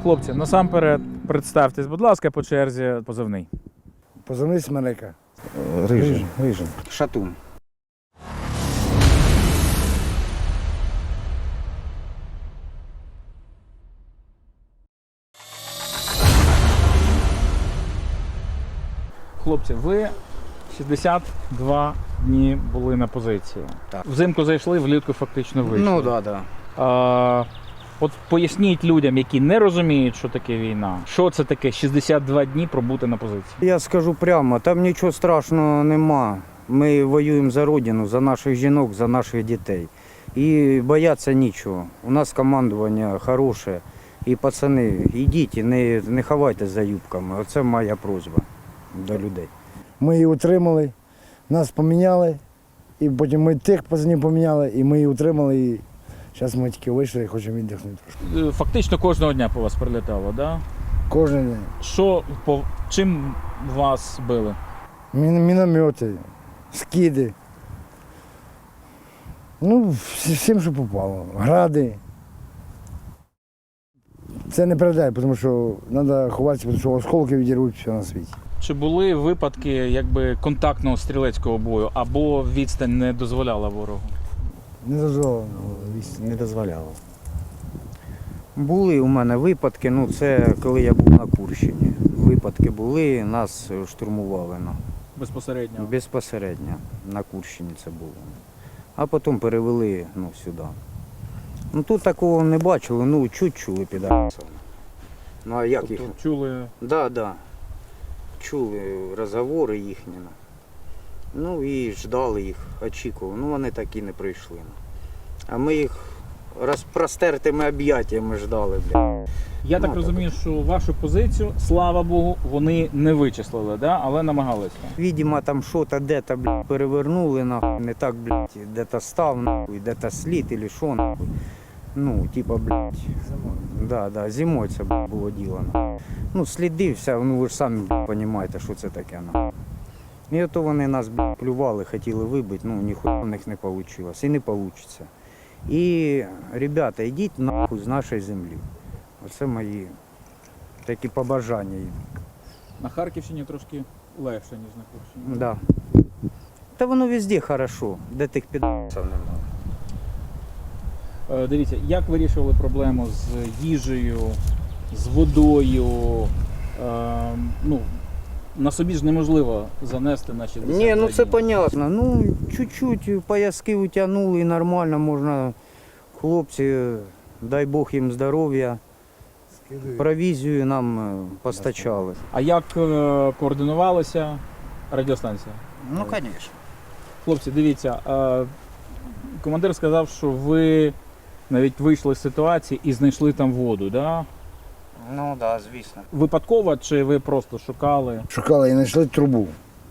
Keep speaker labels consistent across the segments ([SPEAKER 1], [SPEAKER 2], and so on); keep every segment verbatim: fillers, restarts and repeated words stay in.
[SPEAKER 1] Хлопці, насамперед представтесь, будь ласка, по черзі позивний.
[SPEAKER 2] Позивний Смерека.
[SPEAKER 3] Рижин.
[SPEAKER 2] Рижин.
[SPEAKER 3] Шатун.
[SPEAKER 1] Хлопці, ви шістдесят два дні були на позиції.
[SPEAKER 3] Так.
[SPEAKER 1] Взимку зайшли, влітку фактично вийшли.
[SPEAKER 3] Ну так, да, так. Да.
[SPEAKER 1] А, от поясніть людям, які не розуміють, що таке війна. Що це таке шістдесят два дні пробути на позиції?
[SPEAKER 3] Я скажу прямо, там нічого страшного нема. Ми воюємо за родину, за наших жінок, за наших дітей. І бояться нічого. У нас командування хороше. І пацани, йдіть, не, не ховайтесь за юбками. Оце моя просьба до людей.
[SPEAKER 2] Ми її утримали, нас поміняли, і потім ми тих пацанів поміняли, і ми її утримали. І зараз ми тільки вийшли і хочемо віддихнути трошки.
[SPEAKER 1] Е, Фактично кожного дня по вас прилітало, так? Да?
[SPEAKER 2] Кожен день.
[SPEAKER 1] Що, по, чим вас били?
[SPEAKER 2] Мін, міномети, скиди. Ну, всі- всім, що попало. Гради. Це не передай, тому що треба ховатися, тому що осколки відірвуть все на світі.
[SPEAKER 1] Чи були випадки якби контактного стрілецького бою, або відстань не дозволяла ворогу?
[SPEAKER 2] Не дозволено.
[SPEAKER 3] Не дозволяло. Були у мене випадки, ну це коли я був на Курщині. Випадки були, нас штурмували. Ну.
[SPEAKER 1] Безпосередньо.
[SPEAKER 3] Безпосередньо на Курщині це було. А потім перевели ну, сюди. Ну тут такого не бачили, ну чуть чули підарасів. Ну а як їх?
[SPEAKER 1] Тобто чули.
[SPEAKER 3] Да, да. Чули розговори їхні. Ну і ждали їх, очікували. Ну вони так і не прийшли. А ми їх розпростертими об'яттями ждали, бля.
[SPEAKER 1] Я так
[SPEAKER 3] Ну,
[SPEAKER 1] розумію, що вашу позицію, слава Богу, вони не вичислили, да? Але намагалися.
[SPEAKER 3] Видимо, там що-то де-то, блядь, перевернули, нахуй, не так, блядь, де-то став, нахуй, де-то слід, или що, нахуй. Ну, типа, блядь. Да, да, зимою це блядь, було діло. Нахуй. Ну, сліди, вся, ну ви ж самі розумієте, що це таке, нахуй. І ото вони нас, блядь, плювали, хотіли вибити, ну, ніхуя в них не вийшло, і не вийде. І, ребята, йдіть нахуй з нашої землі. Оце мої такі побажання їм.
[SPEAKER 1] На Харківщині трошки легше, ніж на Курщині.
[SPEAKER 3] Да. Та воно везде хорошо, де тих підсів немає.
[SPEAKER 1] Е, Дивіться, як вирішували проблему з їжею, з водою? Е, ну, на собі ж неможливо занести на шістдесят
[SPEAKER 3] Ні, ну
[SPEAKER 1] два
[SPEAKER 3] це
[SPEAKER 1] дні.
[SPEAKER 3] понятно. Ну, чуть-чуть пояски утягнули і нормально можна. Хлопці, дай Бог їм здоров'я. Провізію нам е, постачали.
[SPEAKER 1] А як е, координувалася радіостанція?
[SPEAKER 3] Ну, звісно.
[SPEAKER 1] Хлопці, дивіться, е, командир сказав, що ви навіть вийшли з ситуації і знайшли там воду, да?
[SPEAKER 3] Ну, так, да, звісно.
[SPEAKER 1] Випадково чи ви просто шукали?
[SPEAKER 2] Шукали і знайшли трубу.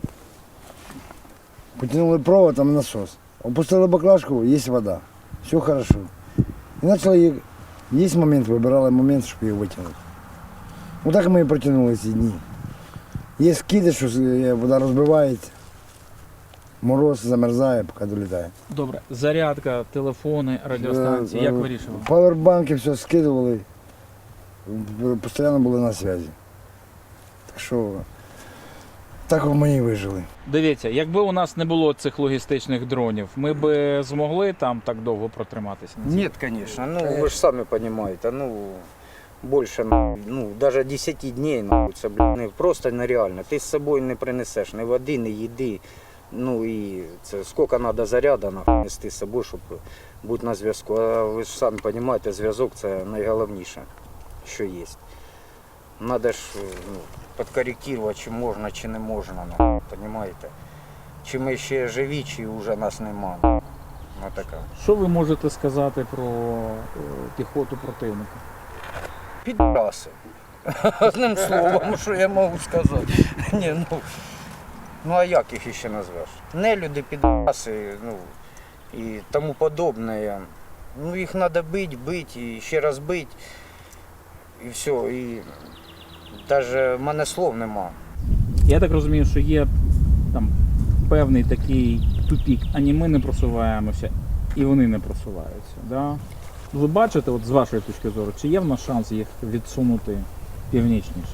[SPEAKER 2] Потянули провод, там насос. Опустили баклажку, є вода. Все хорошо. І почали її, є момент, вибирали момент, щоб її витягнути. Ну так ми і протягнули ці дні. Є скиди, що вода розбивається, мороз замерзає, поки долітає.
[SPEAKER 1] Добре, зарядка, телефони, радіостанції, як вирішували?
[SPEAKER 2] Павербанки все скидували, постійно були на зв'язі. Так що так ми і вижили.
[SPEAKER 1] Дивіться, якби у нас не було цих логістичних дронів, ми б змогли там так довго протриматися?
[SPEAKER 3] Ні, звісно. Ну, ви ж самі розумієте, ну, більше, ну, навіть десять днів, ну, це, блін, не, просто нереально. Ти з собою не принесеш ні води, ні їди. Ну, і це скільки треба заряду нести з собою, щоб бути на зв'язку. А ви ж самі розумієте, зв'язок – це найголовніше, що є. Треба ж ну, підкоректувати, чи можна, чи не можна, ну, розумієте. Чи ми ще живі, чи вже нас нема. Ну, така.
[SPEAKER 1] Що ви можете сказати про е, піхоту противника?
[SPEAKER 3] Підраси. Одним словом, що я можу сказати. Ні, ну, ну а як їх ще назвеш? Нелюди, підраси, ну і тому подобне. Ну їх треба бити, бити і ще раз бити. І все. І навіть в мене слов нема.
[SPEAKER 1] Я так розумію, що є там певний такий тупік, ані ми не просуваємося, і вони не просуваються. Да? Ви бачите, от з вашої точки зору, чи є в нас шанс їх відсунути північніше?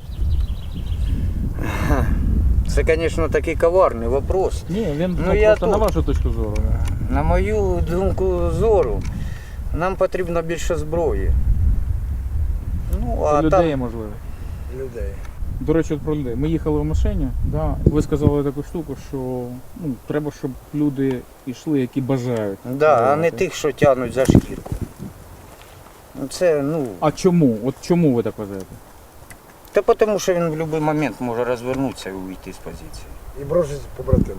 [SPEAKER 3] Це, звісно, такий коварний вопрос.
[SPEAKER 1] Ні, він
[SPEAKER 3] Ну,
[SPEAKER 1] ну,
[SPEAKER 3] я
[SPEAKER 1] просто
[SPEAKER 3] тут.
[SPEAKER 1] на вашу точку зору.
[SPEAKER 3] На мою думку зору, нам потрібно більше зброї. Ну, а
[SPEAKER 1] людей,
[SPEAKER 3] там
[SPEAKER 1] можливо.
[SPEAKER 2] Людей.
[SPEAKER 1] До речі, от про людей. Ми їхали в машині, да, ви сказали таку штуку, що ну, треба, щоб люди йшли, які бажають.
[SPEAKER 3] да, а не
[SPEAKER 1] воювати.
[SPEAKER 3] тих, що тягнуть за шкірку. Ну, Це, ну,
[SPEAKER 1] А чому? От чому ви так вважаєте?
[SPEAKER 3] та тому що він в будь-який момент може розвернутися і уйти з позиції.
[SPEAKER 2] І бросить побратима.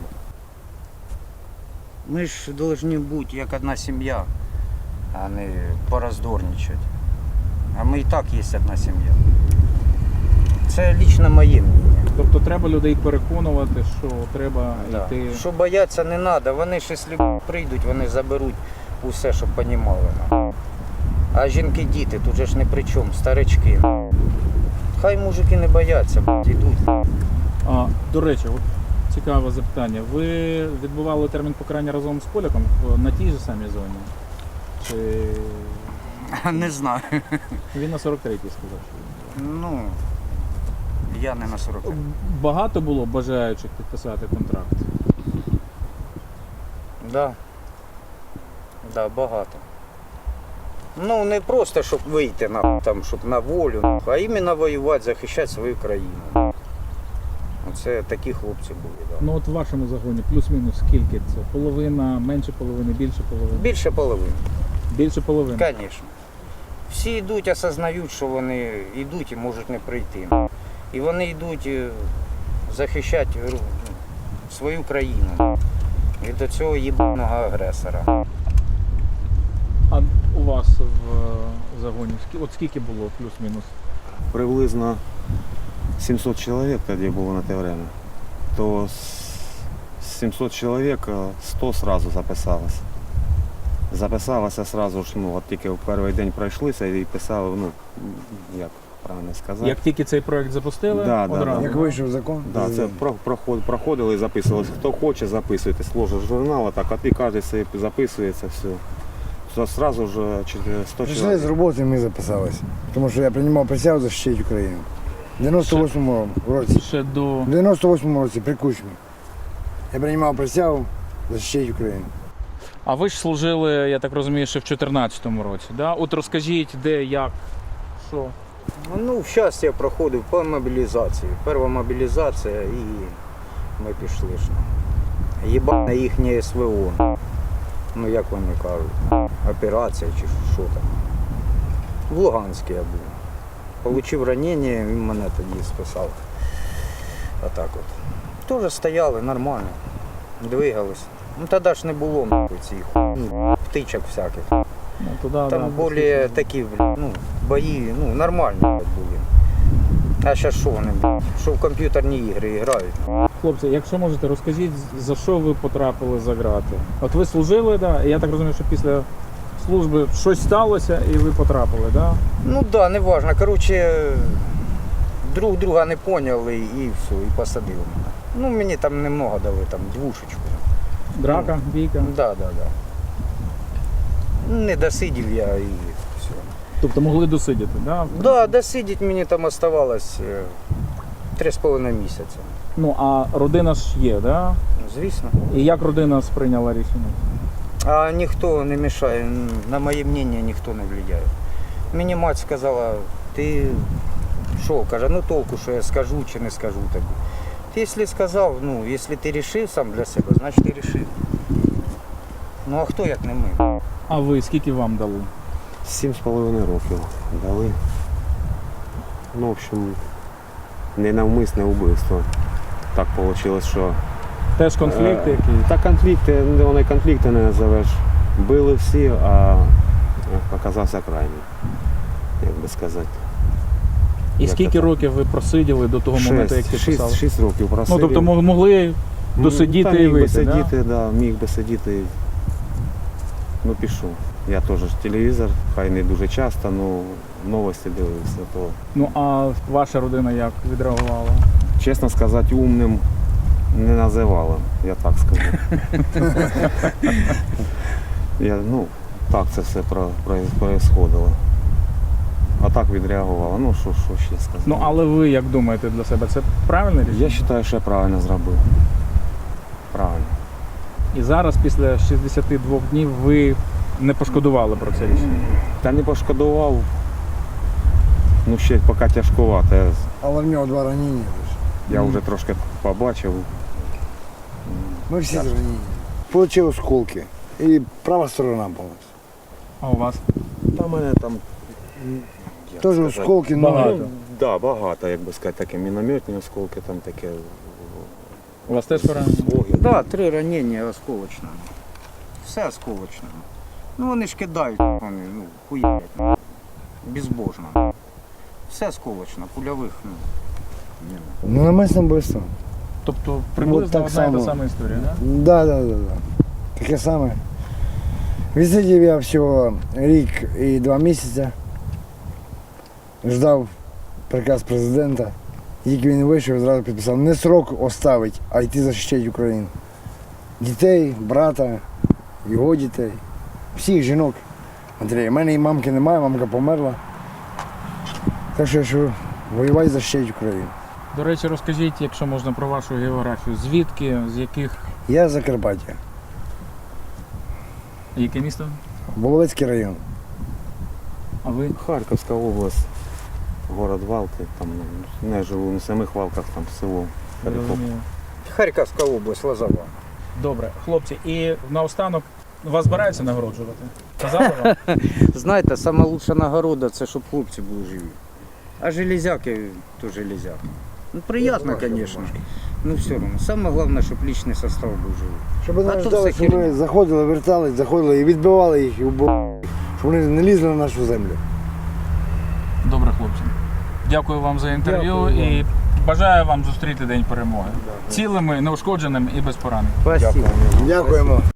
[SPEAKER 3] Ми ж повинні бути як одна сім'я, а не пороздорничати. А ми і так є одна сім'я. Це лично моє мнення.
[SPEAKER 1] Тобто треба людей переконувати, що треба
[SPEAKER 3] Да.
[SPEAKER 1] йти.
[SPEAKER 3] Що бояться не треба, вони ж якщо прийдуть, вони заберуть усе, щоб понімали. А жінки, діти, тут же ж не при чому, старички. Хай мужики не бояться, йдуть.
[SPEAKER 1] А, до речі, от цікаве запитання. Ви відбували термін покарання разом з поляком в- на тій же самій зоні? Чи
[SPEAKER 3] Не знаю.
[SPEAKER 1] він на сорок третій сказав? Що...
[SPEAKER 3] Ну, я не на сорок.
[SPEAKER 1] Багато було бажаючих підписати контракт?
[SPEAKER 3] Да. Да, багато. Ну, не просто, щоб вийти на, там, щоб на волю, а іменно воювати, захищати свою країну. Оце такі хлопці були. Да.
[SPEAKER 1] Ну от в вашому загоні плюс-мінус скільки це? Половина, менше половини, більше половини?
[SPEAKER 3] Більше половини,
[SPEAKER 1] Більше половини.
[SPEAKER 3] звісно. Всі йдуть, осознають, що вони йдуть і можуть не прийти. І вони йдуть е, захищати е, свою країну від цього їбаного агресора.
[SPEAKER 1] А у вас в е, загоні скі- от скільки було плюс-мінус?
[SPEAKER 4] Приблизно сімсот чоловік тоді було на те время. То з сімсот чоловік сто одразу записалось. Записалося одразу ж, ну, от тільки в перший день пройшлися і писали, ну, як правильно сказати.
[SPEAKER 1] Як тільки цей проект запустили,
[SPEAKER 4] Да, да,
[SPEAKER 1] одразу.
[SPEAKER 4] да.
[SPEAKER 2] Як вийшов закон,
[SPEAKER 4] Да, це про- проход- проходили і записувалися. Хто хоче, записуйтесь, ложить журнал, так, а ти кожен собі записується, все. То Сразу ж чотири- сто
[SPEAKER 2] Прийшли
[SPEAKER 4] чоловік.
[SPEAKER 2] з роботи, і ми записалися. Тому що я приймав присягу захищати Україну. В дев'яносто восьмому році.
[SPEAKER 1] Ще до
[SPEAKER 2] В дев'яносто восьмому році при Кучмі. Я приймав присягу захищати Україну.
[SPEAKER 1] А ви ж служили, я так розумію, ще в чотирнадцятому році, да? От розкажіть, де, як, що.
[SPEAKER 3] Ну, зараз я проходив по мобілізації. Перша мобілізація і ми пішли ж. Єбане їхнє ес ве о. Ну, як вони кажуть, операція чи що там. В Луганську я був. Получив ранення, він мене тоді списав. А так от. Теж стояли нормально, двигались. Ну тоді ж не було нахуй цих хуйні, птичок всяких.
[SPEAKER 1] Ну, туди,
[SPEAKER 3] Там
[SPEAKER 1] да,
[SPEAKER 3] більш такі ну, бої, ну, нормальні були. А зараз що вони, блядь, що в комп'ютерні ігри грають.
[SPEAKER 1] Хлопці, якщо можете, розкажіть, за що ви потрапили за грати? От ви служили, да? І я так розумію, що після служби щось сталося і ви потрапили, да?
[SPEAKER 3] Ну так, да, не важно. Коротше, друг друга не поняли і все, і посадили мене. Ну, мені там немного дали, там двушечку.
[SPEAKER 1] Драка, бійка.
[SPEAKER 3] Да, да, да. Не досидів я і все.
[SPEAKER 1] Тобто могли досидіти, да?
[SPEAKER 3] Да, досидіть мені там оставалось е, три з половиною місяця.
[SPEAKER 1] Ну, а родина ж є, да?
[SPEAKER 3] Звісно.
[SPEAKER 1] І як родина сприйняла рішення?
[SPEAKER 3] А ніхто не мішає, н- на моє мнення ніхто не впливає. Мені мать сказала, ти що, каже, ну толку, що я скажу чи не скажу тобі. Ти якщо сказав, ну, якщо ти вирішив сам для себе, значить ти вирішив. Ну а хто як не ми?
[SPEAKER 1] А ви скільки вам дали?
[SPEAKER 4] Сім з половиною років дали. Ну, в общем, ненавмисне вбивство. Так вийшло, що...
[SPEAKER 1] Теж конфлікти
[SPEAKER 4] Е,
[SPEAKER 1] якісь?
[SPEAKER 4] Та конфлікти, вони й конфлікти не називеш. Били всі, а оказався крайній, як би сказати.
[SPEAKER 1] І
[SPEAKER 4] як
[SPEAKER 1] скільки
[SPEAKER 4] це так?
[SPEAKER 1] років ви просиділи до того моменту, як
[SPEAKER 4] Шесть,
[SPEAKER 1] підписали?
[SPEAKER 4] шість, шість років
[SPEAKER 1] Ну,
[SPEAKER 4] просидів.
[SPEAKER 1] тобто мог- могли досидіти
[SPEAKER 4] Та
[SPEAKER 1] і
[SPEAKER 4] міг би
[SPEAKER 1] вийти, да?
[SPEAKER 4] сидіти, да? міг би сидіти. Ну, пішов. Я теж телевізор, хай не дуже часто, але новості дивився. То,
[SPEAKER 1] Ну, а ваша родина як відреагувала?
[SPEAKER 4] чесно сказати, умним не називала, я так скажу. Я, ну, так це все про- про- происходило. А так відреагувало. Ну, що, що ще сказати.
[SPEAKER 1] Ну але ви як думаєте для себе, це правильне рішення?
[SPEAKER 4] Я вважаю, що я правильно зробив. Правильно.
[SPEAKER 1] І зараз, після шістдесяти двох днів, ви не пошкодували про це рішення?
[SPEAKER 4] Та не пошкодував. Ну, ще поки тяжкувато. Я-
[SPEAKER 2] Але в нього два ранення.
[SPEAKER 4] Я вже трошки побачив.
[SPEAKER 2] Ми всі ранені. Получив осколки. І права сторона повністю.
[SPEAKER 1] А у вас?
[SPEAKER 4] Та мене там. як
[SPEAKER 2] Теж
[SPEAKER 4] сказати,
[SPEAKER 2] осколки,
[SPEAKER 1] багато.
[SPEAKER 2] ну,
[SPEAKER 4] Ну, да, багато, як би сказати, таке мінометні осколки, там таке.
[SPEAKER 1] У вас теж поранення?
[SPEAKER 3] Так, да, три ранення осколочно. Все осколочно. Ну вони ж кидають, вони, ну, хуярять. ну, Безбожно. Все осколочно, пульових, ну. ні.
[SPEAKER 2] ну намисне вбивство.
[SPEAKER 1] Тобто приблизно
[SPEAKER 2] так
[SPEAKER 1] одна і та
[SPEAKER 2] само.
[SPEAKER 1] сама історія, так?
[SPEAKER 2] Да, да, да, да. Таке саме. Відсидів я всього рік і два місяці. Ждав приказ президента. Тільки він вийшов, зразу підписав не срок оставить, а йти захищати Україну. Дітей, брата, його дітей, всіх жінок. Андрій, у мене і мамки немає, мамка померла. Так що я що, воювати захищати Україну.
[SPEAKER 1] До речі, розкажіть, якщо можна, про вашу географію. Звідки, з яких,
[SPEAKER 2] Я з Закарпаття,
[SPEAKER 1] яке місто?
[SPEAKER 2] Воловецький район.
[SPEAKER 1] А ви?
[SPEAKER 4] Харківська область, город Валки, там ну, не живу на самих Валках, там село. Перекоп.
[SPEAKER 1] Зрозуміло.
[SPEAKER 3] Харківська область, Лозова.
[SPEAKER 1] Добре, хлопці, і наостанок вас збираються нагороджувати? Казали вам?
[SPEAKER 3] Знаєте, сама лучша нагорода це щоб хлопці були живі. А железяки то железяки. Ну приємно, звісно. Ну все одно. Саме головне, щоб лічний состав був живий.
[SPEAKER 2] Щоб
[SPEAKER 3] А
[SPEAKER 2] вони
[SPEAKER 3] то
[SPEAKER 2] ждали,
[SPEAKER 3] все
[SPEAKER 2] щоб ми
[SPEAKER 3] херня.
[SPEAKER 2] заходили, вертались, заходили і відбивали їх, і вбивали їх. Щоб вони не лізли на нашу землю.
[SPEAKER 1] Добре, хлопці. Дякую вам за інтерв'ю
[SPEAKER 2] Дякую вам.
[SPEAKER 1] і бажаю вам зустріти День перемоги. Цілими, неушкодженими і без поранень.
[SPEAKER 3] Спасибо.
[SPEAKER 2] Дякуємо.